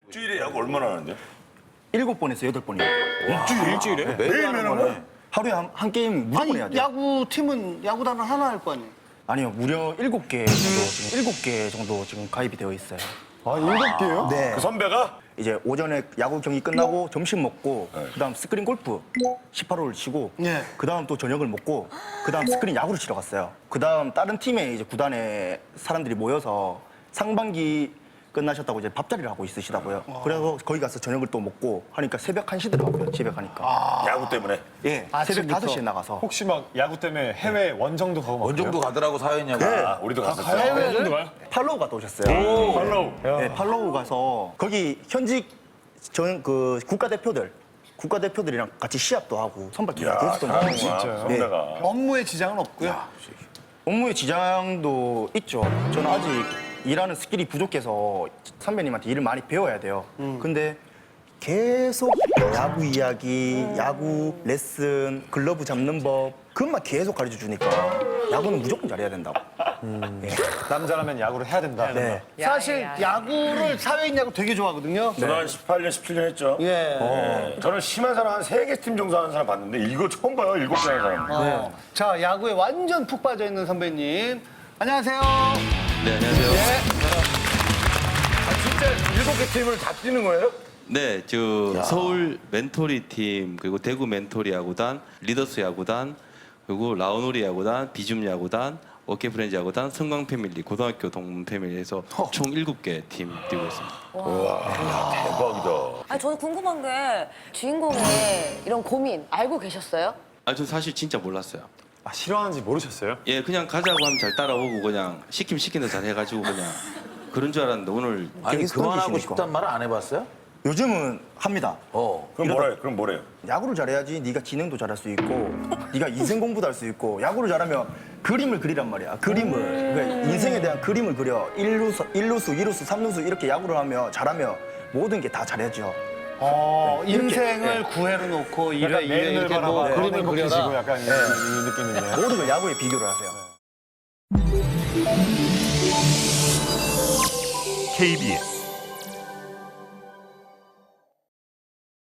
일주일에 야구 얼마나 하는데? 7번에서 8번이요. 일주일에? 매일 하는 거예요. 하루에 한 게임 무조건 해야 돼요. 야구팀은 야구단은 하나 할 거 아니에요? 아니요, 무려 7개 정도 지금 7개 정도 지금 가입이 되어 있어요. 아, 7개요? 네. 그 선배가? 이제 오전에 야구 경기 끝나고 점심 먹고 그다음 스크린 골프 18홀을 치고 네. 그다음 또 저녁을 먹고 그다음 스크린 야구를 치러 갔어요. 그다음 다른 팀의 이제 구단에 사람들이 모여서 상반기 끝나셨다고 이제 밥자리를 하고 있으시다고요. 그래서 거기 가서 저녁을 또 먹고 하니까 새벽 1시 들어가고요. 집에 가니까. 야구 때문에? 예. 새벽 아침부터. 5시에 나가서. 혹시 막 야구 때문에 해외 원정도 가고 막 원정도 가더라고 사연이하고. 아, 우리도 갔었어. 팔로우 갔다 오셨어요. 팔로우. 네, 팔로우 가서 거기 현직 그 국가대표들이랑 같이 시합도 하고 선발 기회도 야, 했었던 거예요. 진짜. 선배가. 업무에 지장은 없고요. 업무의 지장도 있죠. 저는 아직 일하는 스킬이 부족해서 선배님한테 일을 많이 배워야 돼요. 근데 계속 야구 이야기, 야구 레슨, 글러브 잡는 법 그것만 계속 가르쳐 주니까 야구는 무조건 잘해야 된다고. 네. 남자라면 야구를 해야 된다. 네. 사실 야구를 사회인 야구 되게 좋아하거든요. 저는 한 18년, 17년 했죠. 예. 네. 저는 심한 사람 한 3개 팀 정도 하는 사람 봤는데 이거 처음 봐요, 7개 하는 사람. 자, 야구에 완전 푹 빠져 있는 선배님. 안녕하세요. 네, 안녕하세요. 진짜 7개 팀을 다 뛰는 거예요? 네, 서울 멘토리 팀, 그리고 대구 멘토리 야구단, 리더스 야구단, 그리고 라오노리 야구단, 비줌 야구단, 어깨 프렌즈 야구단, 성광 패밀리, 고등학교 동문 패밀리에서 총 7개 팀 뛰고 있습니다. 대박이다. 아니, 저는 궁금한 게 주인공의 이런 고민 알고 계셨어요? 아, 저 사실 진짜 몰랐어요. 아, 싫어하는지 모르셨어요? 예, 그냥 가자고 하면 잘 따라오고 그냥 시키면 시키는 잘 해가지고 그냥 그런 줄 알았는데 오늘 아니 계속 그만하고 던지시니까. 싶단 말을 안 해봤어요? 요즘은 합니다. 그럼 뭐래요? 그럼 뭐래요? 야구를 잘해야지 네가 지능도 잘할 수 있고 네가 인생 공부도 할 수 있고 야구를 잘하면 그림을 그리란 말이야. 그림을. 그러니까 인생에 대한 그림을 그려. 1루수, 2루수, 3루수 이렇게 야구를 하면 잘하면 모든 게 다 잘해져. 인생을 9회로 놓고 1회, 약간 2회 맨을 이렇게 뭐 바라봐 그림을 행복해지고 그려라. 약간 이 느낌이네요. 모든 걸 야구에 비교를 하세요. KBS